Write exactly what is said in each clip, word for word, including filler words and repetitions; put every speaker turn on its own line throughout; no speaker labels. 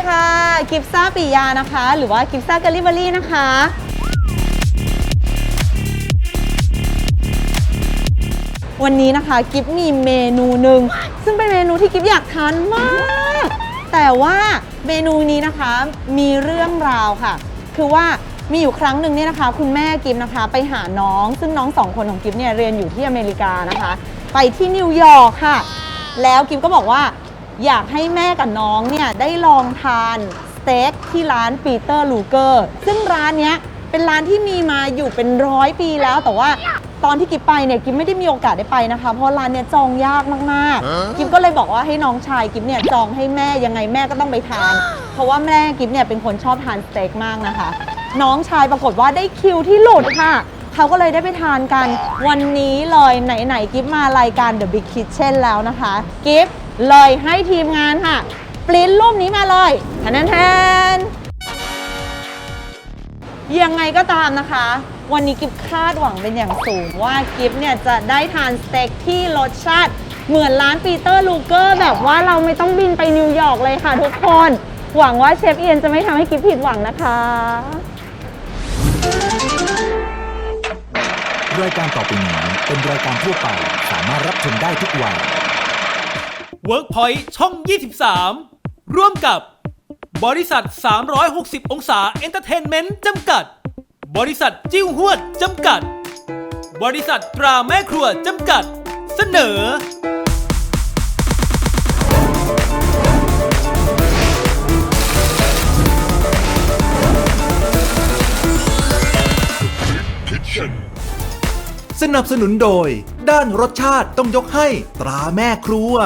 ค่ะกิฟซ่าปิยานะคะหรือว่ากิฟซ่าเกลิเบอรี่นะคะวันนี้นะคะกิฟมีเมนูหนึ่งซึ่งเป็นเมนูที่กิฟอยากทานมากแต่ว่าเมนูนี้นะคะมีเรื่องราวค่ะคือว่ามีอยู่ครั้งหนึ่งเนี่ยนะคะคุณแม่กิฟนะคะไปหาน้องซึ่งน้องสองคนของกิฟเนี่ยเรียนอยู่ที่อเมริกานะคะไปที่นิวยอร์กค่ะแล้วกิฟก็บอกว่าอยากให้แม่กับน้องเนี่ยได้ลองทานสเต็กที่ร้านปีเตอร์ลูเกอร์ซึ่งร้านเนี้ยเป็นร้านที่มีมาอยู่เป็นร้อยปีแล้วแต่ว่าตอนที่กิฟไปเนี่ยกิฟไม่ได้มีโอกาสได้ไปนะคะเพราะร้านเนี่ยจองยากมากๆกิฟก็เลยบอกว่าให้น้องชายกิฟเนี่ยจองให้แม่ยังไงแม่ก็ต้องไปทานเพราะว่าแม่กิฟเนี่ยเป็นคนชอบทานสเต็กมากนะคะน้องชายปรากฏว่าได้คิวที่หลุดค่ะเขาก็เลยได้ไปทานกันวันนี้เลยไหนๆกิฟมารายการ The Big Kitchen แล้วนะคะกิฟเลยให้ทีมงานค่ะปริ้นรูปนี้มาเลยแทนแทนยังไงก็ตามนะคะวันนี้กิฟคาดหวังเป็นอย่างสูงว่ากิฟเนี่ยจะได้ทานสเต็กที่รสชาติเหมือนร้านปีเตอร์ลูเกอร์แบบว่าเราไม่ต้องบินไปนิวยอร์กเลยค่ะทุกคนหวังว่าเชฟเอียนจะไม่ทำให้กิฟผิดหวังนะคะ
รายการต่อไปนี้เป็นรายการทั่วไปสามารถรับชมได้ทุกวัย
WorkPoint ช่อง ยี่สิบสาม ร่วมกับบริษัท สามร้อยหกสิบ องศาเอนเตอร์เทนเมนต์จำกัดบริษัทจิ้วหวดจำกัดบริษัทตราแม่ครัวจำกัดเสนอ
สนับสนุนโดยด้านรสชาติต้องยกให้ตราแม่ครัว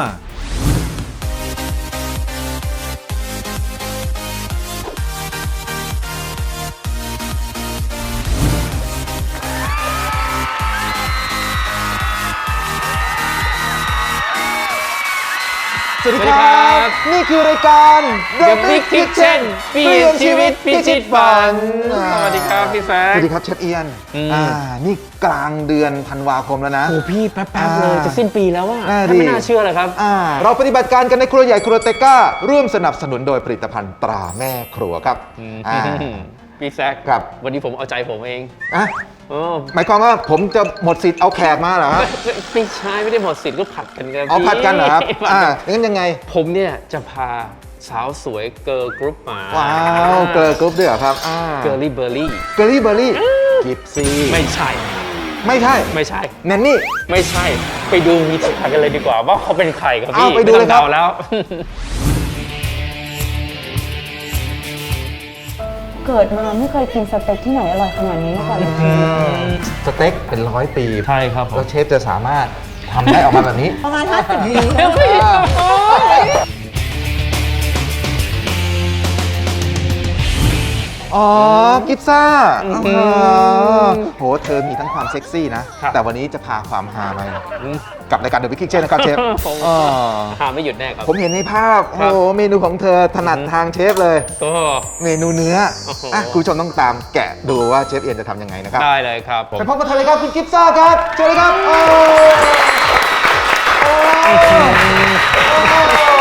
สวัสดีครับนี่คือรายการ
The Big Kitchen เปลี่ยนชีวิตพิชิตฝันสวัสดีครับพี่แซค
สวัสดีครับเชฟเอียนอ่านี่กลางเดือนธันวาคมแล้วนะ
โอ้พี่แป๊บๆเลยจะสิ้นปีแล้วว่า
น่า
ไม่น่าเชื่อเลยครับ
อ่าเราปฏิบัติการกันในครัวใหญ่ครัวเตก้าร่วมสนับสนุนโดยผลิตภัณฑ์ตราแม่ครัวครับอ่า
พี่แซค
ครับ
วันนี้ผมเอาใจผมเอง
อ่ะ
โอ้
หมายความว่าผมจะหมดสิทธิ์เอาแขกมาเหรอฮะ
ไม่ใช่ไม่ได้หมดสิทธิ์ก็ผัดกันกัน
เอาผัดกันเหรอครับ
พี่
อ่างั้นยังไง
ผมเนี่ยจะพาสาวสวยเกิร์ลกรุ๊ปมา
ว้าวเกลือกรุ๊ปด้วยเหรอครับอ่า
เกิร์ลี่เบอร์รี่
เกอรี่เบอร์รี่กิฟซี่
ไม่ใช่
ไม่ใช่
ไม่ใช่
แนนนี่
ไม่ใช่ไปดูวิธีการกันเลยดีกว่าว่าเขาเป็นใครครับ
เอา
พี่
ไปดูเลยครับ
ม่ต้องดาแล้ว
เกิดมาไม่เคยกินสเต็กที่ไหนอร่อยขนาดนี้มาก่อนเลย
สเต็กเป็นร้อยปี
ใช่ครับผม
แล้วเชฟจะสามารถทำได้ออกมาแบบนี้
ประมาณห้าสิบปี
อ๋อ กิฟซ่าอ๋อโห เธอมีทั้งความเซ็กซี่นะ แต่วันนี้จะพาความฮามากับรายการ The Big Kitchen นะครับเชฟ
ผม
อ๋อ
หาไม่หยุดแน่ครับ
ผมเห็นในภาพ โอ้
ครับ
โห เมนูของเธอถนัดทางเชฟเลย
ก็
เมนูเนื้อ
โอ้โห
อ่ะคุณผู้ชมต้องตามแกะดูว่าเชฟเอียนจะทำยังไงนะครับ
ได้เลยครับผม
ไปพบกับเธอเลยครับคุณกิฟซ่าครับเชิญเลยครับโอ้โอ้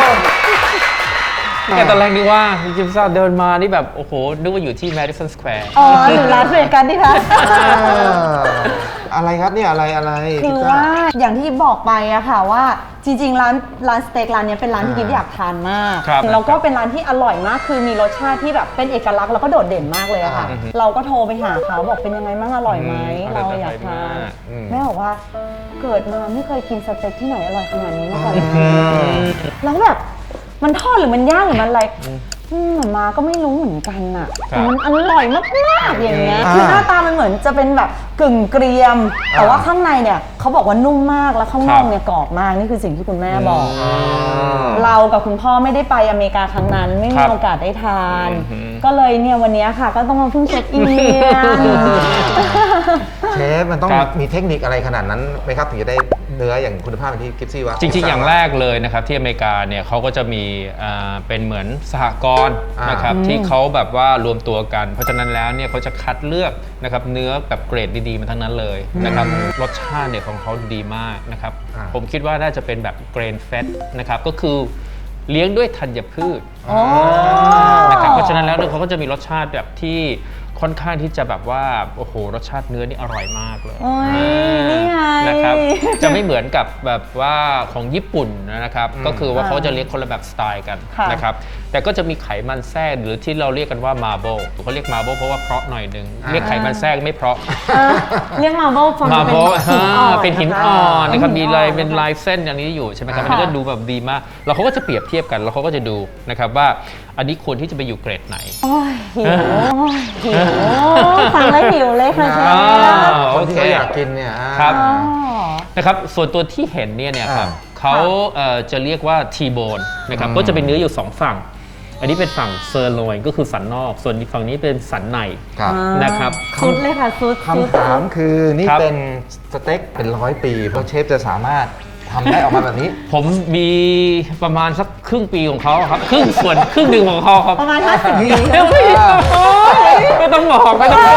แกตอนแรกนึกว่าคุณจิมซ่าเดินมานี่แบบโอ้โหนึกว่าอยู่ที่ Madison Square
อ๋อหรือร้านเวกันดิคะ
อ่าอะไรครับเนี่ยอะไรอะไร
คือ
กิฟซ่
ว่าอย่างที่บอกไปอะค่ะว่าจริงๆร้านร้านสเต็กร้านนี้เป็นร้านที่กิฟอยากทานมาก
ครับ
แล้วก็เป็นร้านที่อร่อยมากคือมีรสชาติที่แบบเป็นเอกลักษณ์แล้วก็โดดเด่นมากเลยอะค่ะ เราก็โทรไปหาเขาบอกเป็นยังไงบ้างอร่อยไหม
อืม
เราอยากทาน
อืม
แม่บอกว่าเกิดมาไม่เคยกินสเต็กที่ไหนอร่อยขนาดนี้มาก่อนเลยแล้วแบบมันทอดหรือมันย่างหรือมันอะไรอืมมาก็ไม่รู้เหมือนกันอะ
ครับ
มันอร่อยมากๆอย่างเงี้ย
อ่า
คือหน้าตามันเหมือนจะเป็นแบบกึ่งเกรียม แต่ว่าข้างในเนี่ยเขาบอกว่านุ่มมากแล้วข้างนอกเนี่ยกรอบมากนี่คือสิ่งที่คุณแม่บอก เรากับคุณพ่อไม่ได้ไปอเมริกาครั้งนั้น ไม่
ค
มี
รับ
โอกาสได้ทาน
อือหือ
ก็เลยเนี่ยวันนี้ค่ะ ก็ต้องมาพึ่งเชฟเอียน
เชฟมันต้อง
ครับ
มีเทคนิคอะไรขนาดนั้นไหมครับถึงจะได้เนื้ออย่างคุณภาพอย่างที่กิฟซี่ว่า
จริงๆ อย่างแรกเลยนะครับที่อเมริกาเนี่ยเขาก็จะมีอ่าเป็นเหมือนสหกรณ์
อ่าน
นะครับที่เขาแบบว่ารวมตัวกัน เพราะฉะนั้นแล้วเนี่ยเขาจะคัดเลือกนะครับเนื้อแบบเกรดดีๆมาทั้งนั้นเลยนะครับรสชาติเนี่ยของเขาดีมากนะครับ
อ่า
ผมคิดว่าน่าจะเป็นแบบเกรนเฟตนะครับก็คือเลี้ยงด้วยธัญพืช
อ๋อ
นะครับเพราะฉะนั้นแล้วเนี่ยเขาก็จะมีรสชาติแบบที่ค่อนข้างที่จะแบบว่าโอ้โหรสชาติเนื้อนี่อร่อยมากเลย
โอ้ยนี่ไง
นะครับจะไม่เหมือนกับแบบว่าของญี่ปุ่นนะครับก็คือว่า
อ่า
เขาจะเลี้ยงคนละแบบสไตล์กัน
ค่ะ
นะครับแต่ก็จะมีไขมันแทรกหรือที่เราเรียกกันว่ามาโบเขาเรียกมาโบเพราะว่าเพราะหน่อยหนึ่งเรียกไขมันแทรกไม่เพราะ
เออเรียกมาโบฟัง
มา
จะ
โบ
เป็นหินอ่อน
เป็นหินอ่อนนะครับมีลาย
หิ
เป็น
อ่อ
ลายเส้นอย่างนี้อยู่ใช่ไหมครับอัน
ค่ะ
นี้ก็ดูแบบดีมากแล้วเขาก็จะเปรียบเทียบกันแล้วเขาก็จะดูนะครับว่าอันนี้ควรที่จะไปอยู่เกรดไหน
โอ้ยหิวหิวฟังแล้วหิวเลยค่ะเชฟ
อ่า
คนที่เขาอยากกินเนี่ยอ่า
ครับ
อ๋อ
นะครับส่วนตัวที่เห็นเนี่ยเนี่ยครับ
อ่า
เขาเอ่อจะเรียกว่าทีโบนนะครับก็จะเป็นเนื้ออยู่สองฝั่ง อันนี้เป็นฝั่งเซอร์โลยก็คือสันนอก ส่วนอีกฝั่งนี้เป็นสันใน
ครับ
นะครับ
ซุดเลยค่ะซุดซุด
คำถามคือนี่
ครับ
เป็นสเต็กเป็นร้อยปีเพราะเชฟจะสามารถทำได้ออกมาแบบนี้
ผมมีประมาณสักครึ่งปีของเขาครับครึ่งส่วนครึ่งหนึ่งของเขาครับ
ประมาณห้าสิบปี
เดี๋ยวไม่ไม่ต้องบอกไม่ต้องบอก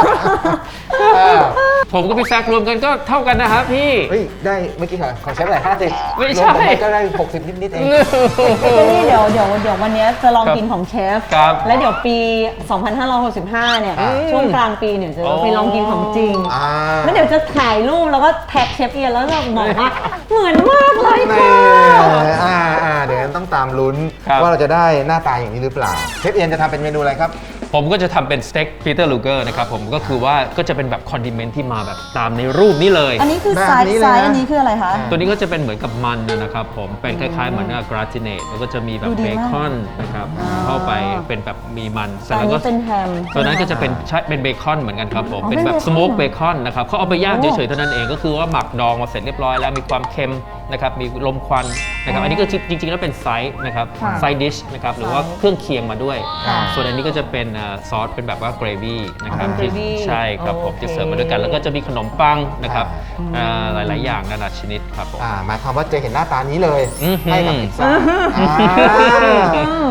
ผมกับพี่แซกรวมกันก็เท่ากันนะครับพี่
เฮ้ย ได้เมื่อกี้ของของเชฟอะไรห้าสิบ
ไม่ใช่
รวมกันก็ได้หกสิบนิดๆเอง
ก็นี่เดี๋ยวเดี๋ยวเดี๋ยววันนี้จะลอง
ครับ
กินของเชฟ
ครับ
แล้วเดี๋ยวปี สองพันห้าร้อยหกสิบห้า เนี่ย
อืม
ช่วงกลางปีเนี่ยจะ
อ๋อ
ไปลองกินของจริง
อ่า
แล้วเดี๋ยวจะถ่ายรูปแล้วก็แท็กเชฟเอียนแล้วจะบอกว่าเหมือนมากเลย
แน่
ค่ะ
อ่าอ่าเดี๋ยวต้องตามลุ้น
ครับ
ว่าเราจะได้หน้าตาอย่างนี้หรือเปล่า เชฟเอียนจะทำเป็นเมนูอะไรครับ
ผมก็จะทำเป็นสเต็กปีเตอร์ลูเกอร์นะครับผมก็คือว่าก็จะเป็นแบบคอนดิเมนต์ที่มาแบบตามในรูปนี้เลย
อันนี้คือ
แบบ
ไซส์
นี้เลยนะ
ไซส์อันนี้คืออะไรคะ
ตัวนี้ก็จะเป็นเหมือนกับมันนะครับผมเป็นคล้ายๆเหมือนกราติเนตแล้วก็จะมีแบบ
ดูดี
เบ
มาก
คอนนะครับ
อ๋อ
เข้าไปเป็นแบบมีมันเสร็
แต่
จ
อั
แล้ว
น
ก็
นี้เป็นแฮม
ตัวนั้นก็จะเป็นใช่เป็นเบคอนเหมือนกันครับผม
อ๋อ
เป็นแบบ
เป็นเบคอน
สโมกเบคอนนะครับเขาเอาไปย่าง
โอ้
เฉยๆเท่านั้นเองก็คือว่าหมักดองมาเสร็จเรียบร้อยแล้วมีความเค็มนะครับมีลมควันนะครับ
อ๋ออั
อันนี้ก็จริงๆแล้วเป็นไซส์นะครับ
ค่ะ
ไซดิชนะครับหรือว่าเครื่องเคียงมาด้วย
ค่ะ
ส่วนอันนี้ก็จะเป็นเอ่อซอสเป็นแบบว่าเกรวี่นะครับ
อ๋อเป็น gravy
ใช่ครับผม
โอเค
จะเสิร์ฟมาด้วยกันแล้วก็จะมีขนมปังนะครับ
อ่า
อ่าหลายๆอย่างนานาชนิดครับผม
อ่าหมายความว่าจะเห็นหน้าตานี้เลย
อื้อหือ
ให้กับพิซซ่าอ่า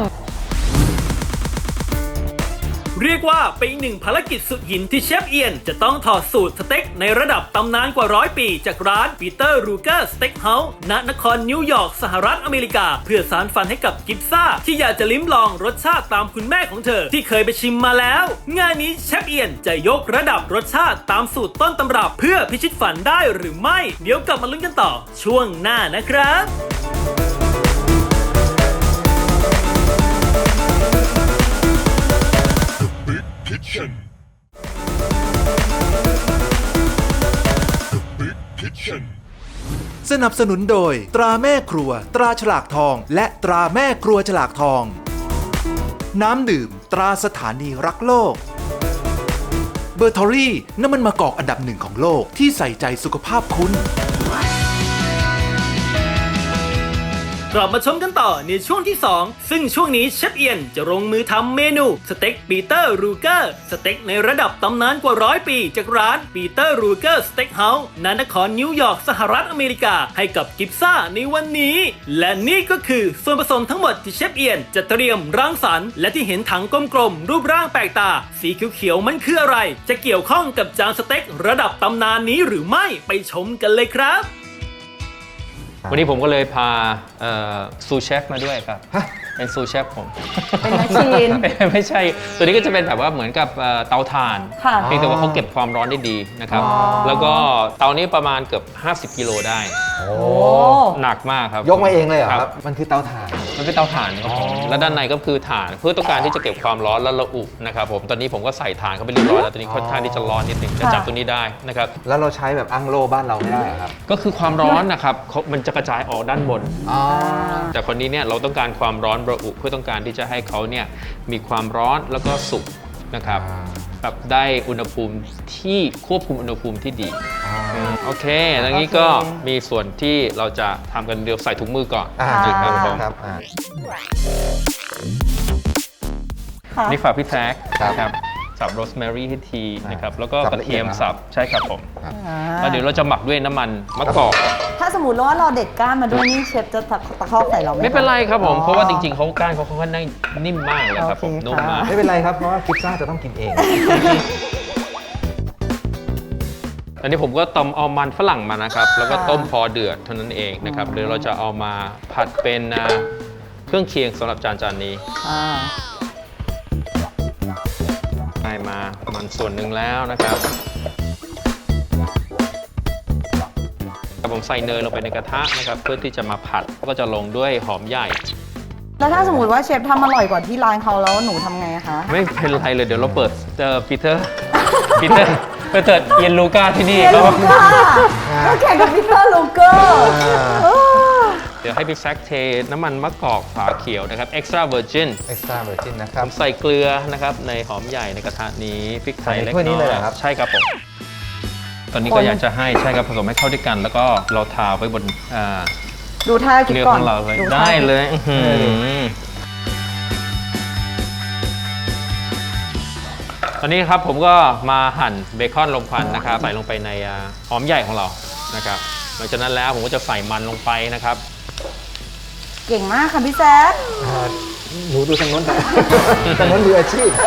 เรียกว่าเป็นอีกหนึ่งภารกิจสุดหินที่เชฟเอียนจะต้องถอดสูตรสเต็กในระดับตำนานกว่าร้อยปีจากร้านปีเตอร์รูเกอร์สเต็กเฮาส์ณนครนิวยอร์กสหรัฐอเมริกา เพื่อสานฝันให้กับกิฟซ่าที่อยากจะลิ้มลองรสชาติตามคุณแม่ของเธอที่เคยไปชิมมาแล้ว งานนี้เชฟเอียนจะยกระดับรสชาติตามสูตรต้นตำรับเพื่อพิชิตฝันได้หรือไม่ เดี๋ยวกลับมาลุ้นกันต่อช่วงหน้านะครับ
สนับสนุนโดยตราแม่ครัว ตราฉลากทอง และตราแม่ครัวฉลากทอง น้ำดื่ม ตราสถานีรักโลก เบอร์ทอรี่น้ำมันมะกอกอันดับหนึ่งของโลกที่ใส่ใจสุขภาพคุณ
กลับมาชมกันต่อในช่วงที่ สอง ซึ่งช่วงนี้เชฟเอียนจะลงมือทำเมนูสเต็กปีเตอร์รูเกอร์สเต็กในระดับตำนานกว่าร้อยปีจากร้านปีเตอร์รูเกอร์สเต็กเฮาส์ณนครนิวยอร์กสหรัฐอเมริกาให้กับกิฟซ่าในวันนี้ และนี่ก็คือส่วนผสมทั้งหมดที่เชฟเอียนจะเตรียมรังสรรค์และที่เห็นถังกลมๆรูปร่างแปลกตาสีเขียวๆมันคืออะไร จะเกี่ยวข้องกับจานสเต็กระดับตำนานนี้หรือไม่ไปชมกันเลยครับ
วันนี้ผมก็เลยพาเอ่อซูเชฟมาด้วยครับเป็นซูเชฟผม
เป็นแมชชีน
ไม่ใช่ ตัวนี้ก็จะเป็นแบบว่าเหมือนกับเอ่อเตาถ่าน
ค่ะ
เพียงแต่ว่าเขาเก็บความร้อนได้ดีนะครับ
อ๋อ
แล้วก็เตานี้ประมาณเกือบห้าสิบกิโลได้
โอ้
โอ้
หนักมากครับ
ยกมาเองเลยเหรอ
ค
ค
รั
รับ บ มันคือเตาถ่าน
มันเป็นเตาถ่านครับผม
อ๋อ
และด้านในก็คือถ่านเพื่อต้องการที่จะเก็บความร้อนและระอุนะครับผม ตอนนี้ผมก็ใส่ถ่านเข้าไปเรียบร้อยแล้ว ตอนนี้ค่อนข้างที่จะร้อนนิดหนึงจะจับตัวนี้ได้นะครับ
แล้วเราใช้แบบอั้งโล่บ้านเราไม่ได้เหรอครับ
ก็คือความร้อนนะครับเขามันจะกระจายออกด้านบน
อ๋อ
แต่คนนี้เนี่ยเราต้องการความร้อนระอุเพื่อต้องการที่จะให้เขาเนี่ยมีความร้อนแล้วก็สุกนะครับ
อ่า
แบบได้อุณหภูมิที่ควบคุมอุณหภูมิที่ดี
อ๋อ
อืมโอเคดังนี้ก็มีส่วนที่เราจะทำกันเดี๋ยวใส่ถุงมือก่อน
อ่า
ครับผม
ครับอ่า
ค่ะ
นี่ฝากพี่แท็ก
ครับ
นะครับสับโรสแมรี่ให้ทีนะครับแล้วก็
สับ
กระ
ละเอี
เที
ย
ย
ด
ม
นะครับ
สับใช่ครับผม
ครับ
แล้วเดี๋ยวเราจะหมักด้วยน้ำมันมะกอก
ถ้าสมมติว่าเราเด็ดก้านมาด้วยนี่เชฟจะตะตะคอกใส่เราไหม
ไม่เป็นไรครับผม
อ๋อ
เพราะว่าจริงๆเขาก้านเขาค่อนข้างนิ่มมากเลยครับผม
โอเค
นุ่มมาก
ค่ะ
ไม่เป็นไรครับ เพราะว่าพิซซ่าจะต้องกินเอง
อันนี้ผมก็ต้มเอามันฝรั่งมานะครับ แล้วก็
ค่ะ
ต้มพอเดือดเท่านั้นเองนะครับเดี๋ยวเราจะเอามาผัดเป็นอ่าเครื่องเคียงสำหรับจานจานนี้
อ่า
ได้มามันส่วนหนึ่งแล้วนะครับผมใส่เนยลงไปในกระทะนะครับเพื่อที่จะมาผัดก็จะลงด้วยหอมใหญ่
แล้วถ้าสมมติว่าเชฟทำอร่อยกว่าที่ร้านเขาแล้วหนูทำไงอะคะ
ไม่เป็นไรเลยเดี๋ยวเราเปิดเจอปีเตอร์ปีเตอร์ไปเติร์ดเยนลูก้าที่นี่
เยน
เขา
ลูก้าก็แข่งกับพีเตอร์ลูเกอร์
เดี๋ยวให้พี่แซคเทน้ำมันมะกอกฝาเขียวนะครับ extra virgin
extra virgin นะค
ผ
รับ
มใส่เกลือนะครับในหอมใหญ่ในกระทะนี้พริกไทย
ใส่ใน
เล็ก
ถ้วยนี้
น้
เล
อย
เหรอครับ
ใช่ครับผมตอนนี้ก็อยากจะให้ใช่ครับผสมให้เข้าด้วยกัน แล้วก็เราทาไว้บนอ่า
ดูท่ากิน
เนื้อ
ก่อ
ข
น
องเราเลย
ท่า
ได้เลยอื้อหือตอนนี้ครับผมก็มาหั่นเบคอนลมควันนะครับใส่ลงไปในอ่าหอมใหญ่ของเรานะครับหลังจากนั้นแล้วผมก็จะใส่มันลงไปนะครับ
เก่งมากค่ะพี่แซค
หนูดูทางโน้น นะทางโน้นมืออาชีพ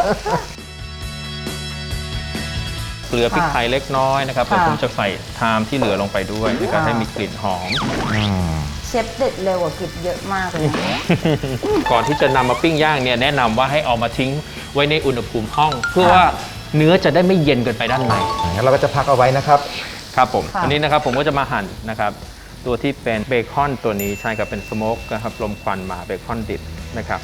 เกลือพริกไทยเล็กน้อยนะครับ
ค่ะ
แล้วผมจะใส่ไทม์ที่เหลือลงไปด้วยนะครับ
ค่ะ
ให้มีกลิ่นหอม
เชฟเด็ดเร็วกว่ากิบเยอะมากเลย
ก่อนที่จะนำมาปิ้งย่างเนี่ยแนะนำว่าให้เอามาทิ้งไว้ในอุณหภูมิห้อง เพื่อว่าเนื้อจะได้ไม่เย็นเกินไปด้านใน
งั้นเราก็จะพักเอาไว้นะครับ
ครับผม
ค่ะ
อันนี้นะครับผมก็จะมาหั่นนะครับตัวที่เป็นเบคอนตัวนี้ใช่ครับเป็นสโมกนะครับลมควันมาเบคอนดิบนะครับ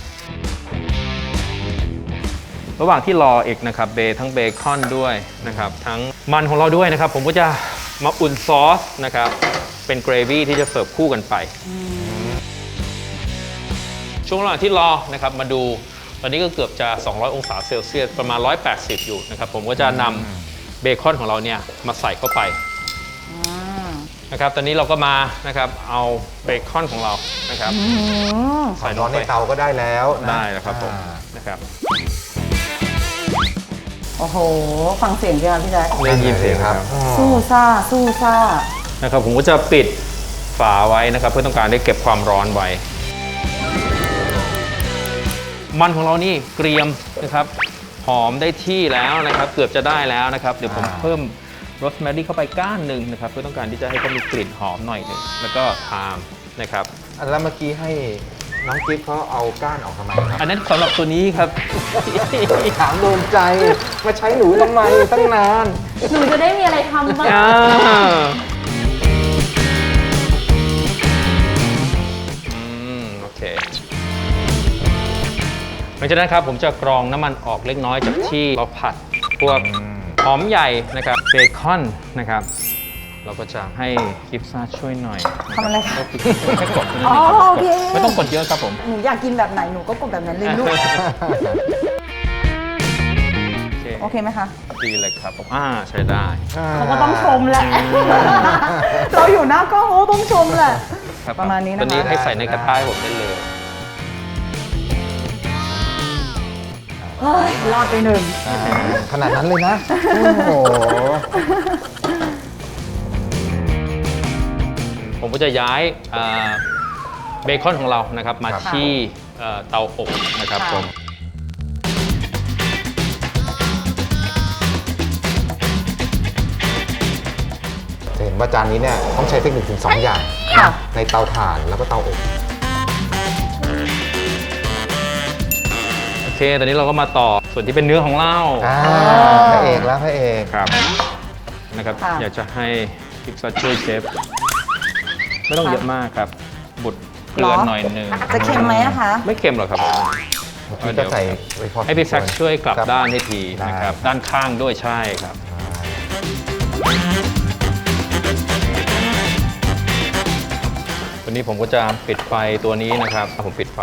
ระหว่างที่รออีกนะครับเบทั้งเบคอนด้วยนะครับทั้งมันของเราด้วยนะครับผมก็จะมาอุ่นซอสนะครับเป็นเกรวี่ที่จะเสิร์ฟคู่กันไป ช่วงระหว่างที่รอนะครับมาดูตอนนี้ก็เกือบจะ สองร้อย องศาเซลเซียสประมาณ หนึ่งร้อยแปดสิบ อยู่นะครับผมก็จะนำเบคอนของเราเนี่ยมาใส่เข้าไปนะครับตอนนี้เราก็มานะครับเอาเบคอนของเรานะครับใส่ล
ร้อง น
ไป
ในเตาก็ได้แล้วนะ
ได้แล้วครับผม
อ่า
นะครับ
โอ้โห ฟังเสียงใช่ไหมพี่แซค
ได้ยินเสียงครับ
อ๋อ
สู้ซ่า สู้ซ่า
นะครับผมก็จะปิดฝาไว้นะครับเพื่อต้องการได้เก็บความร้อนไว้ มันของเรานี่เกรียมนะครับหอมได้ที่แล้วนะครับเกือบจะได้แล้วนะครับเดี๋ยวผมเพิ่มโรสแมรี่เข้าไปก้านหนึ่งนะครับเพื่อต้องการที่จะให้เขามีกลิ่นหอมหน่อยหนึ่งแล้วก็ไทม์นะครับ
อันแล้วเมื่อกี้ให้น้องกิ๊ฟเขาเอาก้านออกทำไมครับ
อันนั้นสำหรับตัวนี้ครับ
ถามโดนใจ มาใช้หนูทำไมตั้งนาน
หนูจะได้มีอะไรทำบ้าง
อ่าอืมโอเคหลังจากนั้นครับผมจะกรองน้ำมันออกเล็กน้อยจากที่เราผัดพวกหอมใหญ่นะครับเบคอนนะครับ เราก็จะให้กิฟซ่าช่วยหน่อย
ทำอะไรคะ
แค่กด
อ๋อโอเค
ไม่ต้องกดเยอะครับผม
หนูอยากกินแบบไหน หนูก็กดแบบนั้นเลยลูก
โอเค
โอเคไหมคะ
ดีเลยครับผมอ่าใช้ได้
เขาก็ต้องชมแหละ เราอยู่หน้ากล้องเขาก็ต้องชมแหละ
คบ
ประมาณนี้นะคะ
ตัวนี้ให้ใส่ในกระทะให้ผมได้เลย
เฮ้ย รอดไปหนึ่ง
อ่าขนาดนั้นเลยนะ โอ้โห
ผมก็จะย้ายอ่าเบคอนของเรานะครับมา
ครับ
ที่เอ่อเตาอบนะครับ
ค่ะ
ผม
จะเห็นว่าจานนี้เนี่ยต้องใช้เทคนิคถึงสองอย่าง
ค่ะ
ในเตาถ่านแล้วก็เตาอบ
โอเค ตอนนี้เราก็มาต่อส่วนที่เป็นเนื้อของเรา
อ่าพระเอกแล้วพระเอก
ครับนะครับ
ค่ะ
อยากจะให้พิกซ่าช่วยเชฟไม่ต้องเยอะมากครับ บุดเกลือหน่อยหนึง
จะเค็มไหมอะคะ
ไม่เค็มหรอกครับผม
พี่ก็ใส่ไว้พอ
ให้พี่แซคช่วยกลับ
ครับ
ด้านให้ที
ได้
นะครับ ด้านข้างด้วยใช่ครับ วันนี้ผมก็จะปิดไฟตัวนี้นะครับ ผมปิดไฟ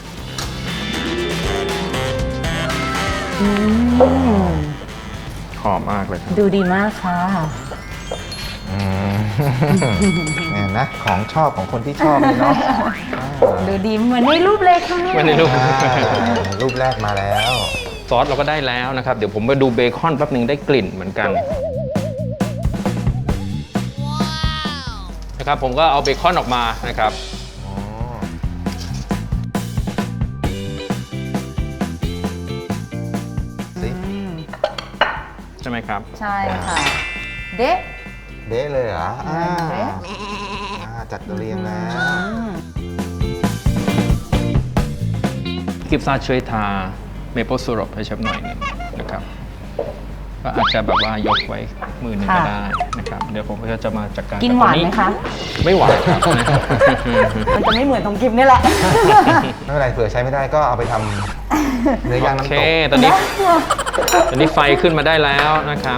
หอมมากเลยครับ
ดูดีมากค่ะ
อืม เนี่ยนะ ของชอบของคนที่ชอบเลยเนาะ
ดูดีเหมือนในรูปเลยค่ะ
ไม่ได้รูป
อ่ารูปแรกมาแล้ว
ซอสเราก็ได้แล้วนะครับ เดี๋ยวผมไปดูเบคอนแป๊บหนึ่งได้กลิ่นเหมือนกันนะครับผมก็เอาเบคอนออกมานะครับ
อ๋อ สิ
ใช่ไหมครับ
ใช่ค่ะ เด๊ะ
เด้เลยเหรออ่า
เด้
อ่าจัดเรียงแล้ว
อืม
กิฟซ่าช่วยทาเมเปิลซิรัปให้เชฟหน่อยหนึงนะครับก็อาจจะแบบว่ายกไว้มือหนึ่งก็ได้นะครับเดี๋ยวผมก็จะมาจัดการ
กินหวานไหมคะ
ไม่หวานครับ
มันจะไม่เหมือนของกิฟนี่แหละ
ไม่เป็นไรเผื่อใช้ไม่ได้ก็เอาไปทำเนื้อย่าง
โอ
น้ำ
เค
ตก
ตอนนี้ตอนนี้ไฟขึ้นมาได้แล้วนะครับ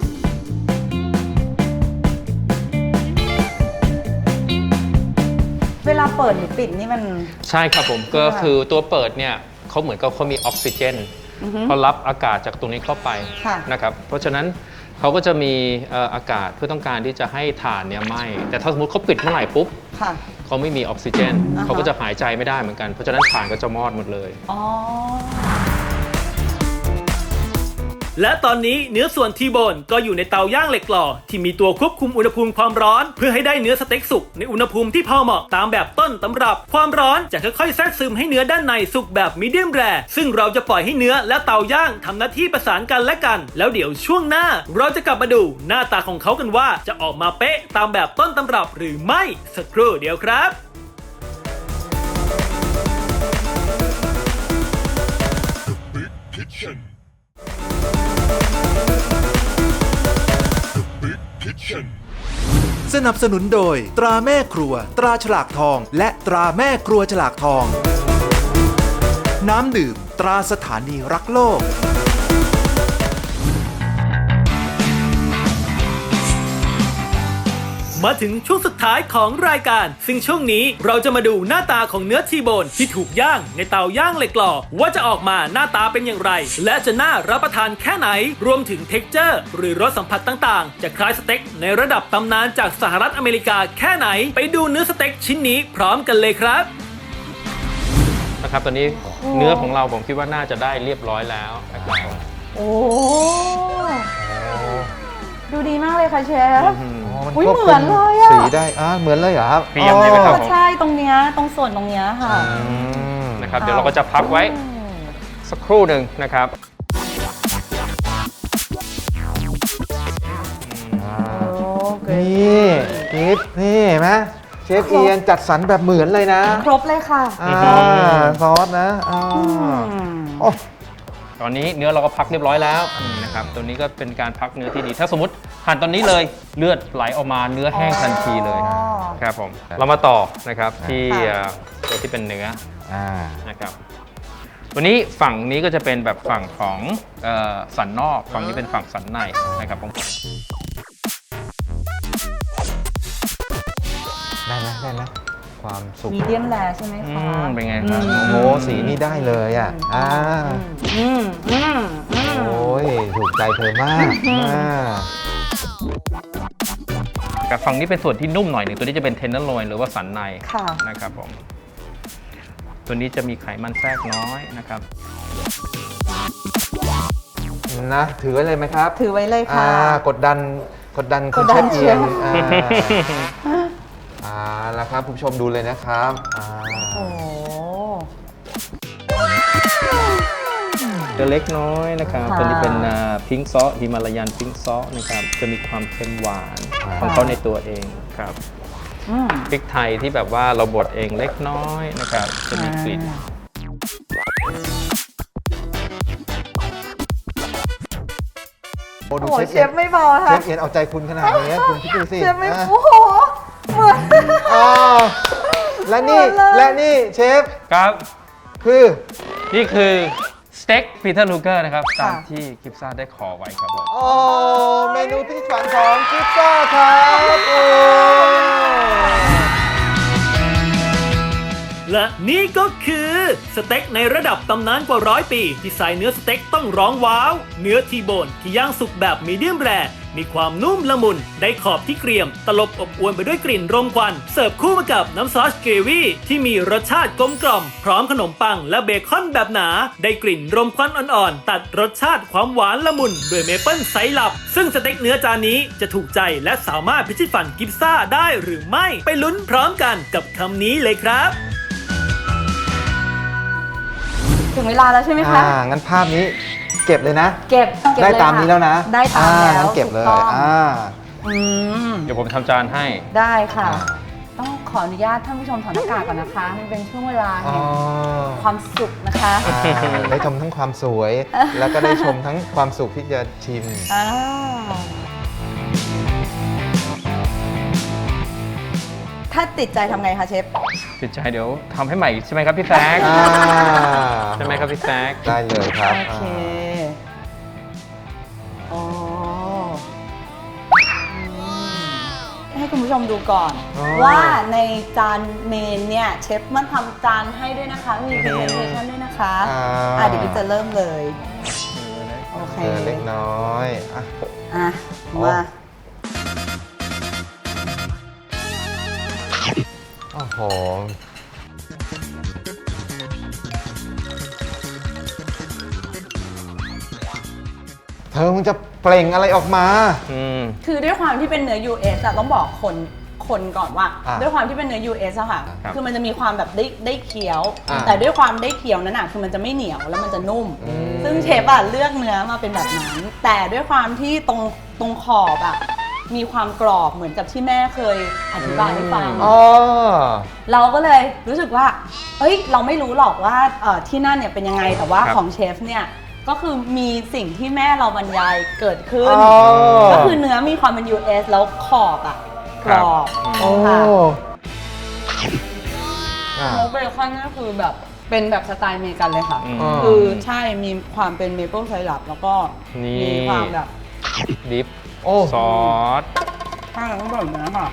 เวลาเปิดหรือปิดนี่มัน
ใช่ครับผมก็คือตัวเปิดเนี่ยเขาเหมือนกับเขามีออกซิเจนเขารับอากาศจากตรงนี้เข้าไป
ค่ะ
นะครับเพราะฉะนั้นเขาก็จะมีเอ่ออากาศเพื่อต้องการที่จะให้ถ่านเนี่ยไหม้แต่ถ้าสมมติเขาปิดเมื่อไหร่ปุ๊บ
ค่ะ
เขาไม่มีออกซิเจน
อ่าฮะ
เขาก็จะหายใจไม่ได้เหมือนกันเพราะฉะนั้นถ่านก็จะมอดหมดเลย
อ๋อ
และตอนนี้เนื้อส่วนทีโบนก็อยู่ในเตาย่างเหล็กหล่อที่มีตัวควบคุมอุณหภูมิความร้อนเพื่อให้ได้เนื้อสเต็กสุกในอุณหภูมิที่พอเหมาะตามแบบต้นตำรับความร้อนจะค่อยๆแทรกซึมให้เนื้อด้านในสุกแบบมีเดียมแรร์ซึ่งเราจะปล่อยให้เนื้อและเตาย่างทำหน้าที่ประสานกันและกันแล้วเดี๋ยวช่วงหน้าเราจะกลับมาดูหน้าตาของเขากันว่าจะออกมาเป๊ะตามแบบต้นตำรับหรือไม่สักครู่เดียวครับ
สนับสนุนโดยตราแม่ครัว ตราฉลากทอง และตราแม่ครัวฉลากทอง น้ำดื่ม ตราสถานีรักโลก
มาถึงช่วงสุดท้ายของรายการซึ่งช่วงนี้เราจะมาดูหน้าตาของเนื้อทีโบนที่ถูกย่างในเตาย่างเหล็กหล่อว่าจะออกมาหน้าตาเป็นอย่างไร และจะน่ารับประทานแค่ไหนรวมถึงเท็กเจอร์หรือรสสัมผัสต่างๆจะคล้ายสเต็กในระดับตำนานจากสหรัฐอเมริกาแค่ไหนไปดูเนื้อสเต็กชิ้นนี้พร้อมกันเลยครับ
นะครับตอนนี้เนื้อของเราผมคิดว่าน่าจะได้เรียบร้อยแล้วนะครับ
โอ้ ดูดีมากเลยค่ะเชฟ
อืม
อ๋อมัน
อุ๊ย
ควบ
เหมื
คุ
อน
ม
เลยอะ
สีได้อ่าเหมือนเลยเหรอครับ
เกรียมใช่ไหมครับ
ใช่ตรงเนี้ยตรงส่วนตรงเนี้ยค่ะ
อืม
นะครับเดี๋ยวเราก็จะพักไว้สักครู่หนึ่งนะครับ
อ่า
โอเค
นี่กิฟนี่เห็นไหมเชฟเอียนจัดสรรแบบเหมือนเลยนะ
ครบเลยค่ะ
อ่าซอสนะอ่า
อืม
โอ้
ตอนนี้เนื้อเราก็พักเรียบร้อยแล้วนะครับตัวนี้ก็เป็นการพักเนื้อที่ดี ถ้าสมมติหั่นตอนนี้เลยเลือดไหลออกมาเนื้อแห้งทันทีเลย
อ๋อ
ครับผมเรามาต่อนะครับที่
ค่ะ
เอ่อตัวที่เป็นเนื้อ
อ่า
นะครับตัวนี้ฝั่งนี้ก็จะเป็นแบบฝั่งของเอ่อสันนอกฝั่งนี้เป็นฝั่งสันในนะครับผม
ได้ไหมได้ไหมความสุข
มีเดียมแรร์ใช่ไหม
อื
คะ
มเป็นไงครับ
อืม
โอ้โหสีนี่ได้เลยอ่ะอ่า
อืมอืมอืม
โอ้ยถูกใจเธอมากอ่า
กับฝั่งนี้เป็นส่วนที่นุ่มหน่อยหนึ่งตัวนี้จะเป็นเทนเนอร์โลยหรือว่าสันใน
ค่ะ
นะครับผมตัวนี้จะมีไขมันแทรกน้อยนะครับ
นะถือไว้เลยไหมครับ
ถือไว้เลยค่ะ
อ่ากดดันกดดันคุณ
กดดั
เช
น
ฟเอียน
เชฟ
อ่าอ่าแล้วครับคุณผู้ชมดูเลยนะครับอ่า
โอ้
จะเล็กน้อยนะครับ
ค่ะ
ตัวนี้เป็นพิงซอฮิมาลายันพิงซอนะครับจะมีความเค็มหวานของเขาในตัวเองครับ
อืม
พริกไทยที่แบบว่าเราบดเองเล็กน้อยนะครับจะมีกลิ่น
โอ้ดู
โอ้
เช
เช
ฟ
ฟไม่พอ
เช
ค่ะ
ฟเอียนเอาใจคุณขนาดนี้คุณคิดดูสิ
เชฟไม่
อ่ะ
โอ้โหเหมือน
อ่าและนี่
เหมือนเลย
และนี่เชฟ
ครับ
คือ
นี่คือสเต็กปีเตอร์ลูเกอร์นะครับตามที่กิฟซ่าได้ขอไว้ครับผม
โอ้เมนูพิถีพิถันของกิฟซ่าครับโอ้
และนี่ก็คือสเต็กในระดับตำนานกว่าร้อยปีที่ใส่เนื้อสเต็กต้องร้องว้าว เนื้อทีโบนที่ย่างสุกแบบมีเดียมแรร์มีความนุ่มละมุนได้ขอบที่เกรียมตลบอบอวนไปด้วยกลิ่นรมควันเสิร์ฟคู่มากับน้ำซอสเกรวี่ที่มีรสชาติกลมกล่อมพร้อมขนมปังและเบคอนแบบหนาได้กลิ่นรมควันอ่อนๆตัดรสชาติความหวานละมุนด้วยเมเปิลไซรัปซึ่งสเต็กเนื้อจานนี้จะถูกใจและสามารถพิชิตฝันกิฟซ่าได้หรือไม่ไปลุ้นพร้อมกันกับคำนี้เลยครับ
ถึงเวลาแล้วใช่ไหมคะ
อ่างั้นภาพนี้เก็บเลยนะ
เก็บเก็บ
ได้
เลย
ตาม
ค่ะ
นี้แล้วนะ
ได้ตาม
อ่
แล้ว
งั้นเก็บเลย
ถูกต้อง
อ่า
อืม
เดี๋ยวผมทำจานให้
ได้ค่ะ
น
ต้องขออนุญาตท่านผู้ชมถอดหน้ากากก่อนนะคะมันเป็นช่วงเวลา
อ๋
แห่
อง
ความสุขนะคะ
อ่าได้ชมทั้งความสวย แล้วก็ได้ชมทั้งความสุขที่จะชิม
อ่าถ้าติดใจทำไงคะเชฟ
ติดใจเดี๋ยวทำให้ใหม่ใช่ไหมครับพี่แซก
อ่า
ใช่ไหมครับพี่แซก
ได้เลยครับ
โอเคโอ้ให้คุณผู้ชมดูก่อน
อ๋อ
ว่าในจานเมนเนี่ยเชฟมันทำจานให้ด้วยนะคะ มี presentation ด้วยนะคะ
อ่า
อ่ะเดี๋ยวพี่จะเริ่มเลย โอเค
เออเล็กน้อยอ่ะ
อ่ะ
โอ้
มา
โอ้โหเธอมึงจะเปล่งอะไรออกมา
อืม
คือด้วยความที่เป็นเนื้อ ยู เอส อะต้องบอกคนคนก่อนว่า
อ่ะ
ด้วยความที่เป็นเนื้อ ยู เอส อะค่ะ
ครับ
คือมันจะมีความแบบได้ได้เคี้ยว
อ่ะ
แต่ด้วยความได้เคี้ยวนั้นอะคือมันจะไม่เหนียวแล้วมันจะนุ่ม
อืม
ซึ่งเชฟอะเลือกเนื้อมาเป็นแบบนั้น แต่ด้วยความที่ตรงตรงขอบอะมีความกรอบเหมือนกับที่แม่เคยอธิบายให้ฟัง
อ๋อ
เราก็เลยรู้สึกว่า เอ้ย เราไม่รู้หรอกว่าเอ่อที่นั่นเนี่ยเป็นยังไง แต่ว่า
ครับ
ของเชฟเนี่ย ก็คือมีสิ่งที่แม่เราบรรยายเกิดขึ้น
อ๋อ
ก็คือเนื้อมีความเป็น ยู เอส แล้วขอบอะกรอบ
โอ้
ค่ะ
อ่ะ
โมเบคอนนี่คือแบบเป็นแบบสไตล์อเมริกันเลยค่ะ
อืม
อ๋อ
คือใช่มีความเป็นเมเปิลไซรัปแล้วก็
นี่
มีความแบบ
ดิฟ
โอ้
ซอส
ใช่ต้องแบบนี้ค่ะ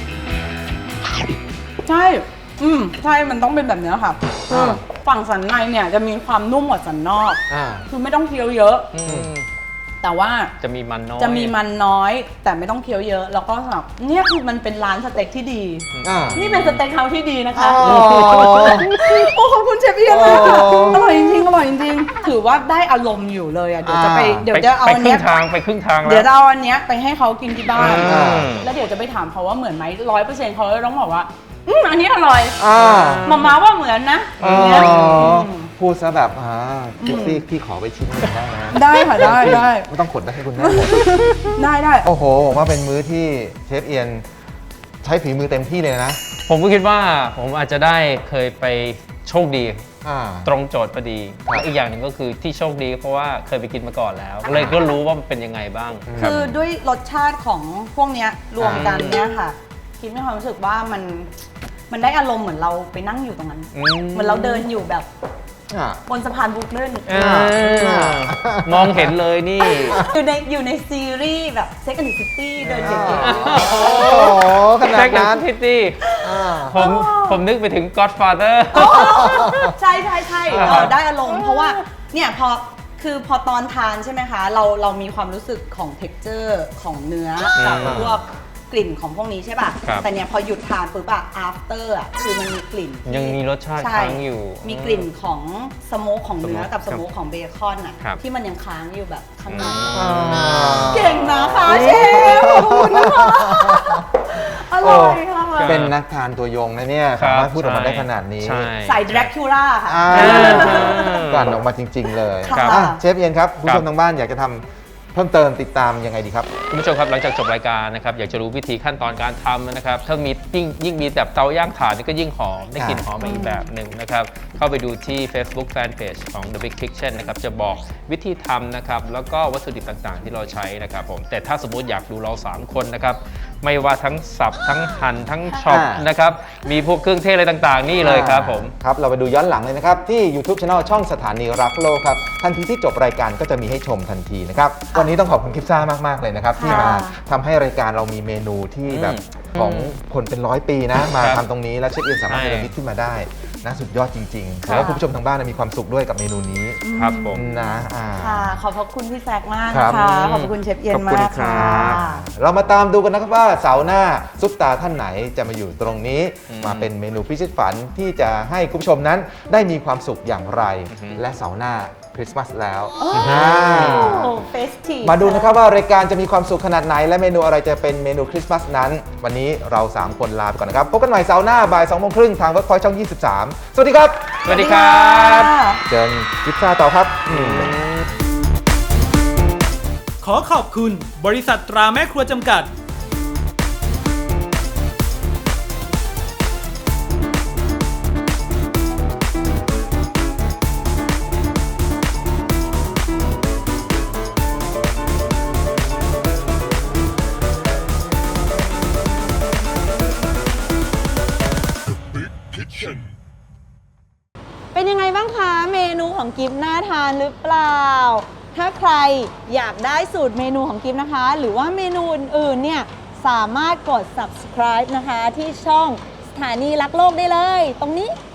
ใช่ อืมใช่ มันต้องเป็นแบบนี้ค่ะคือ
อ่า
ฝั่งสันในเนี่ยจะมีความนุ่มกว่าสันนอก
อ่า
คือไม่ต้องเคี้ยวเยอะ
อืม
แต่ว่า
จะมีมันน้อย
จะมีมันน้อย แต่ไม่ต้องเคี้ยวเยอะ แล้วก็สำหรับเนี่ยคือมันเป็นร้านสเต็กที่ดี
อ่า
นี่เป็นสเต็กเฮาส์ที่ดีนะคะ
อ๋อ
โอ้ขอบคุณเชฟเอียนมากค่ะ
โอ้
อร่อยจริงๆอร่อยจริงๆถือว่าได้อารมณ์อยู่เลยอ่ะเดี๋ยวจะไป
อ่า
เดี๋ยว
ไป
จะเอา
ไป
อัน
ครึ่
เนี้ย
งทางไปครึ่งทาง
เดี๋ยว
แล้ว
จะเอาอันเนี้ยไปให้เขากินที่บ้าน
อ่า
แล้วเดี๋ยวจะไปถามเขาว่าเหมือนไหมร้อยเปอร์เซ็นต์เขาจะต้องบอกว่าอืมอันนี้อร่อย
อ่า
มาม่าว่าเหมือนนะ
อ๋อ
อย่างเงี้ยม
พูดซะแบบอ่าพี่ซี่พี่ขอไปชิ้นหนึ่งได้ไหม
ได้ค่ะได้ได้
ไม่ต้องขนได้ให้คุณแม่หมด
ได้ได้
โอ้โหผมว่าเป็นมื้อที่เชฟเอียนใช้ฝีมือเต็มที่เลยนะ
ผมก็คิดว่าผมอาจจะได้เคยไปโชคดี
อ่า
ตรงโจทย์พอดี
ครับ
และอีกอย่างหนึ่งก็คือที่โชคดีเพราะว่าเคยไปกินมาก่อนแล้ว เลยก็รู้ว่ามันเป็นยังไงบ้างรับ
คือด้วยรสชาติของพวกเนี้ยรวมกันเนี้ยค่ะคิดมีความรู้สึกว่ามันมันได้อารมณ์เหมือนเราไปนั่งอยู่ตรงนั้น
อืม
เหมือนเราเดินอยู่แบบ
อ่า
บนสะพานบรุกลิน
เออมองเห็นเลยนี่
อยู่ในอยู่ในซีรีส์แบบ Sex and the City เดินเก๋
โอ้โหขนาดนั้น
พิตตี้
อ่า
ผมผมนึกไปถึง Godfather
ๆใช่ใช่ใช่
อ่า
เออได้อารมณ์เพราะว่าเนี่ยพอคือพอตอนทานใช่ไหมคะ เราเรามีความรู้สึกของ texture ของเนื้อกับพวกกลิ่นของพวกนี้ใช่ป่ะ
ครับ
แต่เนี่ยพอหยุดทานปุ๊บอะ after อะคือมันมีกลิ่นที่
ยังมีรสชาติ
ใช่
ค้างอยู่
มีกลิ่นของสโมกของเนื้อ
สโมก
กับสโมกของเบคอนอะ
ครับ
ที่มันยังค้างอยู่แบบข้างใน
อืม
เก่งนะคะเชฟขอบคุณนะคะอร่อยค่ะ
ครับ
เป็นนักทานตัวยงนะเนี่ย
ครั
สา
บ
มารถพูดออกมาได้ขนาดนี้
ใช่
ใส่ดรากูล่าค่ะ
อ่า
อ่า
กลั่นออกมาจริง ๆ เลย
ค่ะ
อ่ะเชฟเอียนครับผู้
ครั
ช
บ
มทางบ้านอยากจะทำเพิ่มเติมติดตามยังไงดีครับ
คุณผู้ชมครับหลังจากจบรายการนะครับอยากจะรู้วิธีขั้นตอนการทำนะครับถ้ามียิ่งยิ่งมีแบบเตาย่างถ่านนี่ก็ยิ่งหอมได้กลิ่นหอมมาอีกแบบหนึ่งนะครับเข้าไปดูที่ Facebook Fanpage ของ The Big Kitchen นะครับจะบอกวิธีทำนะครับแล้วก็วัตถุดิบต่างๆ ที่เราใช้นะครับผมแต่ถ้าสมมุติอยากดูเราสามคนนะครับไม่ว่าทั้งสับทั้งหั่นทั้งช็อป
อ่าน
นะครับมีพวกเครื่องเทศอะไรต่างๆ นี่เลยครับผม
ครับ เราไปดูย้อนหลังเลยนะครับ ที่ YouTube Channel ช่องสถานีรักโลกครับ ทันทีที่จบรายการก็จะมีให้ชมทันทีนะครับ วันนี้ต้องขอบคุณคลิปซ่ามาก ๆ เลยนะครับ ที่มาทำให้รายการเรามีเมนูที่แบบ
อืม
ของคนเป็นร้อยปีนะ มา
ครับ
ทำตรงนี้แล้วเชฟเอียนสามารถ
ใช่
เนรมิตขึ้นมาได้นะสุดยอดจริงๆ
ค่ะ
แล้วคุณผู้ชมทางบ้านมีความสุขด้วยกับเมนูนี้
ครับผม
นะอ่า
ค่ะ ขอบพระคุณพี่แซกมาก
ครั
นะ
บ
คะ ขอบพระคุณเชฟเอียน
ขอบคุณ
มาก
ครั
ค่ะ
บ
เรามาตามดูกันนะครับว่าเสาร์หน้าซุปตาท่านไหนจะมาอยู่ตรงนี้
อืม
มาเป็นเมนูพิชิตฝันที่จะให้คุณผู้ชมนั้นได้มีความสุขอย่างไร
อือฮึ
และเสาร์หน้าคริสต์มาสแล้ว
โอ้
อ่า
เฟสทีฟ
มาดูนะครับว่ารายการจะมีความสุขขนาดไหน และเมนูอะไรจะเป็นเมนูคริสต์มาสนั้น วันนี้เรา สาม คนลาไปก่อนนะครับ พบกันใหม่เสาร์หน้าบ่ายสองโมงครึ่งทางเวิร์กพอยต์ช่อง ยี่สิบสาม สวัสดีครับ
สวัสดีครับ
เจอกิฟซ่าต่อครับอืม
ขอขอบคุณบริษัทตราแม่ครัวจำกัด
เป็นยังไงบ้างคะ เมนูของกิฟต์น่าทานหรือเปล่า ถ้าใครอยากได้สูตรเมนูของกิฟต์นะคะ หรือว่าเมนูอื่นๆเนี่ยสามารถกด subscribe นะคะที่ช่องสถานีรักโลกได้เลย ตรงนี้